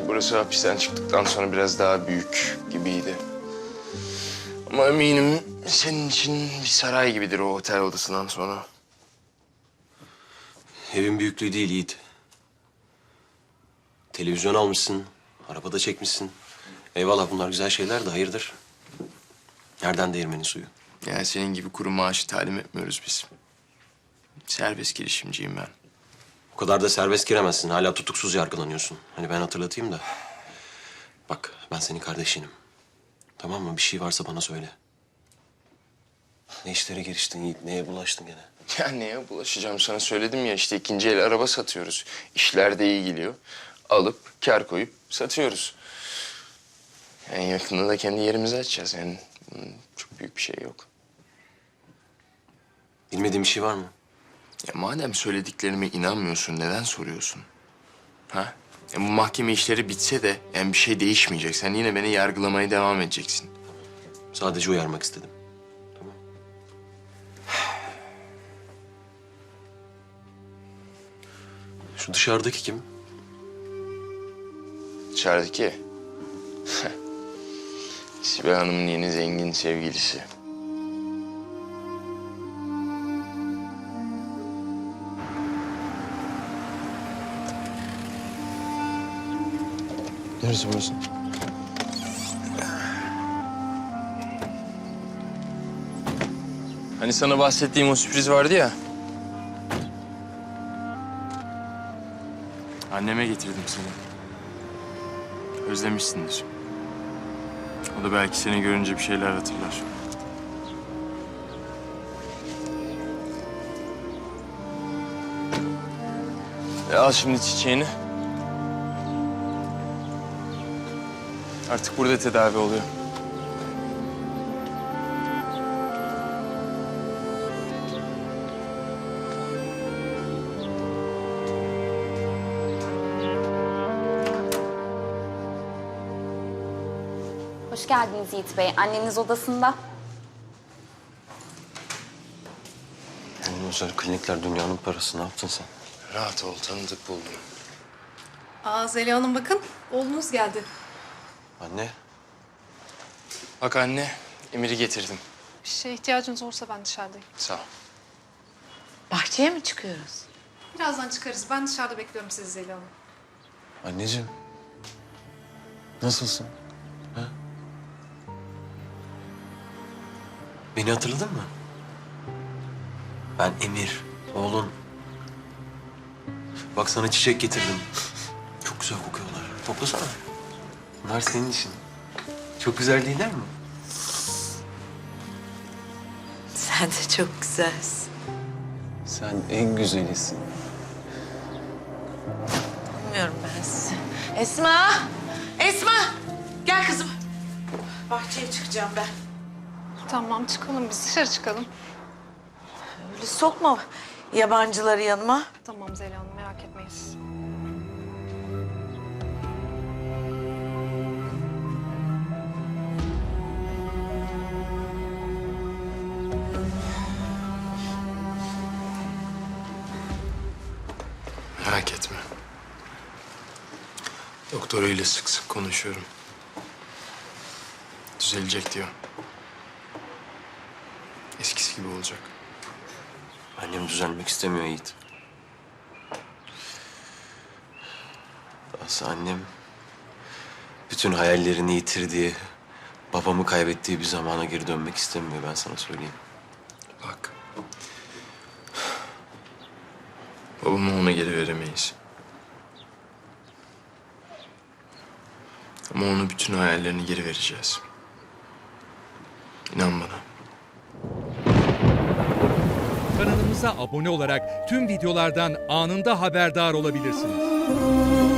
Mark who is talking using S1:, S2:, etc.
S1: burası hapisten çıktıktan sonra biraz daha büyük gibiydi. Ama eminim senin için bir saray gibidir o otel odasından sonra.
S2: Evin büyüklüğü değil Yiğit. Televizyon almışsın, arabada çekmişsin. Eyvallah bunlar güzel şeyler de hayırdır? Nereden değirmenin suyu?
S1: Yani senin gibi kuru maaşı talim etmiyoruz biz. Serbest girişimciyim ben.
S2: O kadar da serbest giremezsin. Hala tutuksuz yargılanıyorsun. Hani ben hatırlatayım da. Bak ben senin kardeşinim. Tamam mı? Bir şey varsa bana söyle. Ne işlere giriştin Yiğit? Neye bulaştın gene?
S1: Ya neye bulaşacağım sana söyledim ya işte ikinci el araba satıyoruz. İşler de iyi gidiyor. Alıp kar koyup satıyoruz. En yakında da kendi yerimizi açacağız yani. Çok büyük bir şey yok.
S2: Bilmediğin bir şey var mı?
S1: Ya madem söylediklerime inanmıyorsun neden soruyorsun? Ha? Bu mahkeme işleri bitse de yani bir şey değişmeyecek. Sen yine beni yargılamaya devam edeceksin.
S2: Sadece uyarmak istedim. Tamam. Şu dışarıdaki kim?
S1: Dışarıdaki. Sibel Hanım'ın yeni zengin sevgilisi.
S2: Neresi burası?
S1: Hani sana bahsettiğim o sürpriz vardı ya. Anneme getirdim seni. Özlemişsindir. O da belki seni görünce bir şeyler hatırlar. Al şimdi çiçeğini. Artık burada tedavi oluyor.
S3: Hoş geldiniz Yiğit Bey. Anneniz odasında.
S2: Yani özel klinikler dünyanın parası. Ne yaptın sen?
S1: Rahat ol, tanıdık buldum.
S4: Zeliha Hanım bakın, oğlunuz geldi.
S2: Anne.
S1: Bak anne, Emir'i getirdim.
S4: Bir şeye ihtiyacınız olursa ben dışarıdayım.
S1: Sağ ol.
S5: Bahçeye mi çıkıyoruz?
S4: Birazdan çıkarız. Ben dışarıda bekliyorum sizi Zeliha Hanım.
S2: Anneciğim. Nasılsın? Ha? Beni hatırladın mı? Ben Emir, oğlun. Bak sana çiçek getirdim. Çok güzel kokuyorlar. Toplasana. Bunlar senin için. Çok güzel değiller mi?
S5: Sen de çok güzelsin.
S2: Sen en güzelisin.
S5: Bilmiyorum ben sizi. Esma! Esma! Gel kızım. Bahçeye çıkacağım ben.
S4: Tamam, çıkalım biz. Dışarı çıkalım.
S5: Öyle sokma yabancıları yanıma.
S4: Tamam Zeliha Hanım, merak etmeyin siz.
S1: Merak etme. Doktoruyla sık sık konuşuyorum. Düzelecek diyor. Eskisi gibi olacak.
S2: Annem düzelmek istemiyor Yiğit. Aslında annem bütün hayallerini yitirdiği, babamı kaybettiği bir zamana geri dönmek istemiyor, ben sana söyleyeyim.
S1: Bak. Babamı ona geri veremeyiz. Ama ona bütün hayallerini geri vereceğiz. İnan bana.
S6: Kanalımıza abone olarak tüm videolardan anında haberdar olabilirsiniz.